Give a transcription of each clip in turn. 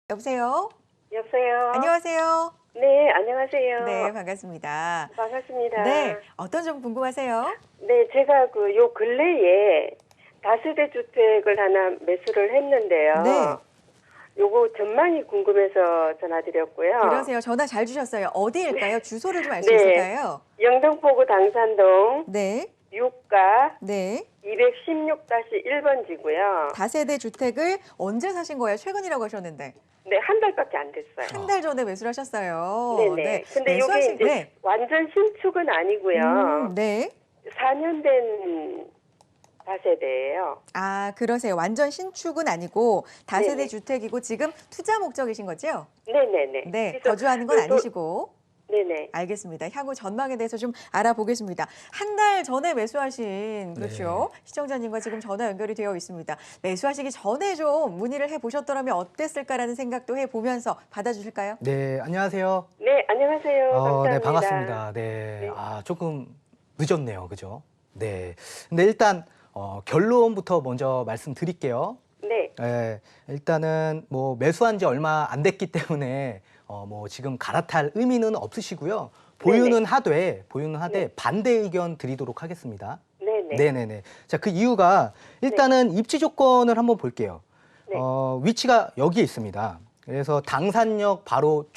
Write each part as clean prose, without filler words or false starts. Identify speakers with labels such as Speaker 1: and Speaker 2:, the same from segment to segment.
Speaker 1: 여보세요?
Speaker 2: 여보세요?
Speaker 1: 안녕하세요.
Speaker 2: 네, 안녕하세요.
Speaker 1: 네, 반갑습니다.
Speaker 2: 반갑습니다.
Speaker 1: 네, 어떤 점 궁금하세요?
Speaker 2: 네, 제가 요 근래에 다세대 주택을 하나 매수를 했는데요.
Speaker 1: 네.
Speaker 2: 요거 전망이 궁금해서 전화드렸고요.
Speaker 1: 그러세요. 전화 잘 주셨어요. 어디일까요? 주소를 좀 알 수
Speaker 2: 네.
Speaker 1: 있을까요?
Speaker 2: 영등포구 당산동
Speaker 1: 네,
Speaker 2: 6가
Speaker 1: 네.
Speaker 2: 216-1번지고요.
Speaker 1: 다세대 주택을 언제 사신 거예요? 최근이라고 하셨는데.
Speaker 2: 네, 한 달밖에 안 됐어요.
Speaker 1: 한 달 전에 매수를 하셨어요.
Speaker 2: 네네.
Speaker 1: 네,
Speaker 2: 근데 요게
Speaker 1: 매수하신,
Speaker 2: 이제
Speaker 1: 네.
Speaker 2: 완전 신축은 아니고요.
Speaker 1: 네.
Speaker 2: 4년 된 다세대예요.
Speaker 1: 아, 그러세요. 완전 신축은 아니고 다세대
Speaker 2: 네네.
Speaker 1: 주택이고 지금 투자 목적이신 거죠?
Speaker 2: 네네네.
Speaker 1: 네,
Speaker 2: 그래서
Speaker 1: 거주하는 건 아니시고.
Speaker 2: 네네.
Speaker 1: 알겠습니다. 향후 전망에 대해서 좀 알아보겠습니다. 한 달 전에 매수하신 그렇죠? 시청자님과 지금 전화 연결이 되어 있습니다. 매수하시기 전에 좀 문의를 해보셨더라면 어땠을까라는 생각도 해보면서 받아주실까요?
Speaker 3: 네, 안녕하세요.
Speaker 2: 네, 안녕하세요. 감사합니다.
Speaker 3: 네, 반갑습니다. 네.
Speaker 2: 네.
Speaker 3: 조금 늦었네요. 그죠? 네. 근데 일단, 결론부터 먼저 말씀드릴게요.
Speaker 2: 네.
Speaker 3: 일단은 뭐 매수한 지 얼마 안 됐기 때문에, 뭐 지금 갈아탈 의미는 없으시고요. 보유는 하되
Speaker 2: 네.
Speaker 3: 반대 의견 드리도록 하겠습니다.
Speaker 2: 네네.
Speaker 3: 네네네. 자, 그 이유가 일단은 입지 조건을 한번 볼게요.
Speaker 2: 네.
Speaker 3: 위치가 여기에 있습니다. 그래서 당산역 바로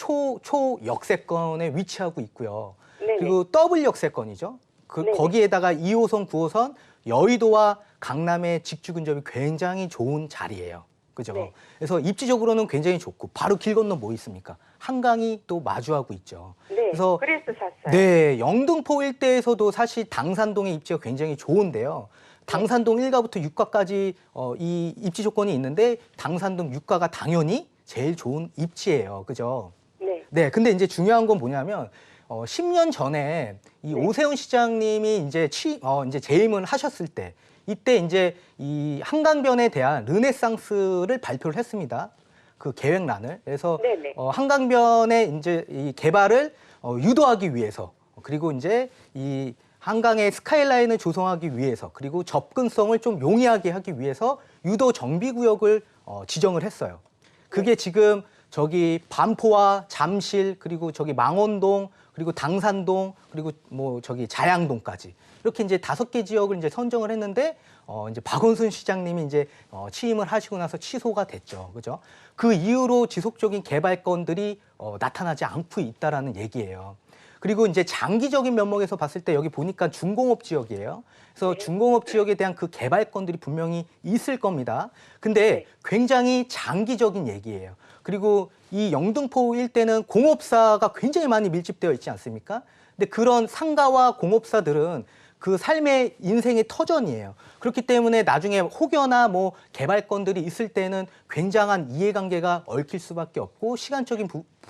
Speaker 3: 초역세권에 위치하고 있고요.
Speaker 2: 네네.
Speaker 3: 그리고 더블 역세권이죠.
Speaker 2: 네네.
Speaker 3: 거기에다가 2호선, 9호선, 여의도와 강남의 직주 근접이 굉장히 좋은 자리예요. 그죠?
Speaker 2: 네.
Speaker 3: 그래서 입지적으로는 굉장히 좋고 바로 길 건너 뭐 있습니까? 한강이 또 마주하고 있죠.
Speaker 2: 네.
Speaker 3: 그래서
Speaker 2: 그래서 샀어요.
Speaker 3: 네, 영등포 일대에서도 사실 당산동의 입지가 굉장히 좋은데요. 당산동 1가부터 6가까지 이 입지 조건이 있는데 당산동 6가가 당연히 제일 좋은 입지예요. 그죠?
Speaker 2: 네.
Speaker 3: 네, 근데 이제 중요한 건 뭐냐면 10년 전에 이
Speaker 2: 네.
Speaker 3: 오세훈 시장님이 이제 이제 재임을 하셨을 때 이때 이제 이 한강변에 대한 르네상스를 발표를 했습니다. 그 계획란을. 그래서
Speaker 2: 네네.
Speaker 3: 한강변의 이제 이 개발을 유도하기 위해서 그리고 이제 이 한강의 스카이라인을 조성하기 위해서 그리고 접근성을 좀 용이하게 하기 위해서 유도 정비구역을 지정을 했어요. 그게 지금 저기 반포와 잠실 그리고 저기 망원동 그리고 당산동 그리고 뭐 저기 자양동까지 이렇게 이제 5개 지역을 이제 선정을 했는데 이제 박원순 시장님이 이제 취임을 하시고 나서 취소가 됐죠. 그죠? 그 이후로 지속적인 개발건들이 나타나지 않고 있다라는 얘기예요. 그리고 이제 장기적인 면목에서 봤을 때 여기 보니까 중공업 지역이에요. 그래서 중공업 지역에 대한 그 개발건들이 분명히 있을 겁니다. 근데 굉장히 장기적인 얘기예요. 그리고 이 영등포 일대는 공업사가 굉장히 많이 밀집되어 있지 않습니까? 근데 그런 상가와 공업사들은 그 삶의 인생의 터전이에요. 그렇기 때문에 나중에 혹여나 뭐 개발건들이 있을 때는 굉장한 이해관계가 얽힐 수밖에 없고 시간적인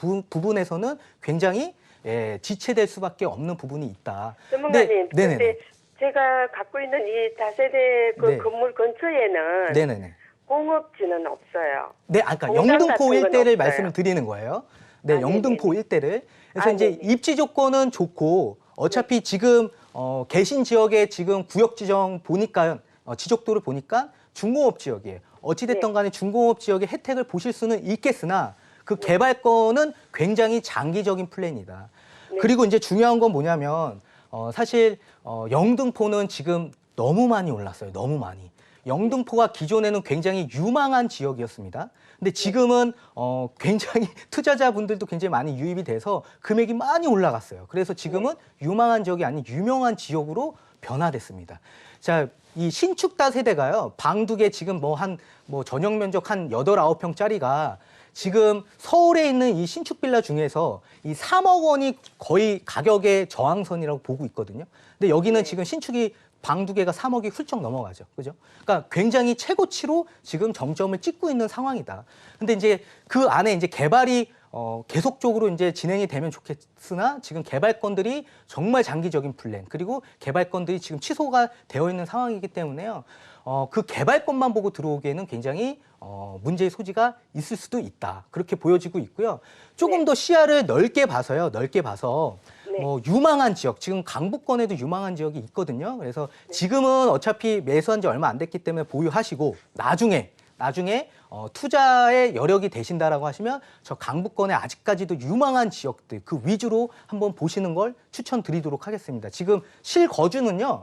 Speaker 3: 부분에서는 굉장히 지체될 수밖에 없는 부분이 있다.
Speaker 2: 전문가님,
Speaker 3: 네네네.
Speaker 2: 근데 제가 갖고 있는 이 다세대 그
Speaker 3: 네.
Speaker 2: 건물 근처에는
Speaker 3: 네네네.
Speaker 2: 공업지는 없어요.
Speaker 3: 네, 아까
Speaker 2: 공장
Speaker 3: 영등포
Speaker 2: 같은 건
Speaker 3: 일대를
Speaker 2: 없어요.
Speaker 3: 말씀을 드리는 거예요. 네,
Speaker 2: 아,
Speaker 3: 영등포
Speaker 2: 네네네.
Speaker 3: 일대를. 그래서
Speaker 2: 아,
Speaker 3: 이제
Speaker 2: 네네.
Speaker 3: 입지 조건은 좋고 어차피 지금 계신 지역에 지금 구역 지정 보니까 지적도를 보니까 중공업 지역이에요. 어찌됐든 간에 중공업 지역의 혜택을 보실 수는 있겠으나 그 개발권은 굉장히 장기적인 플랜이다. 그리고 이제 중요한 건 뭐냐면 사실 영등포는 지금 너무 많이 올랐어요. 너무 많이. 영등포가 기존에는 굉장히 유망한 지역이었습니다. 근데 지금은 굉장히 투자자분들도 굉장히 많이 유입이 돼서 금액이 많이 올라갔어요. 그래서 지금은 유망한 지역이 아닌 유명한 지역으로 변화됐습니다. 자, 이 신축 다세대가요. 방 2개 지금 뭐 전용 면적 한 8, 9평짜리가 지금 서울에 있는 이 신축 빌라 중에서 이 3억 원이 거의 가격의 저항선이라고 보고 있거든요. 근데 여기는 지금 신축이 방 2개가 3억이 훌쩍 넘어가죠. 그죠? 그러니까 굉장히 최고치로 지금 정점을 찍고 있는 상황이다. 근데 이제 그 안에 이제 개발이 계속적으로 이제 진행이 되면 좋겠으나 지금 개발건들이 정말 장기적인 플랜 그리고 개발건들이 지금 취소가 되어 있는 상황이기 때문에요. 그 개발건만 보고 들어오기에는 굉장히 문제의 소지가 있을 수도 있다. 그렇게 보여지고 있고요. 조금 더 시야를 넓게 봐서요. 넓게 봐서 뭐 유망한 지역, 지금 강북권에도 유망한 지역이 있거든요. 그래서 지금은 어차피 매수한 지 얼마 안 됐기 때문에 보유하시고 나중에 나중에 투자의 여력이 되신다라고 하시면 저 강북권의 아직까지도 유망한 지역들 그 위주로 한번 보시는 걸 추천드리도록 하겠습니다. 지금 실거주는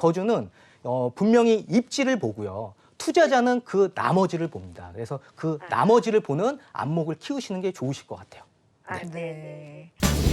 Speaker 3: 분명히 입지를 보고요. 투자자는 그 나머지를 봅니다. 그래서 그 나머지를 보는 안목을 키우시는 게 좋으실 것 같아요.
Speaker 2: 아, 네.
Speaker 1: 네.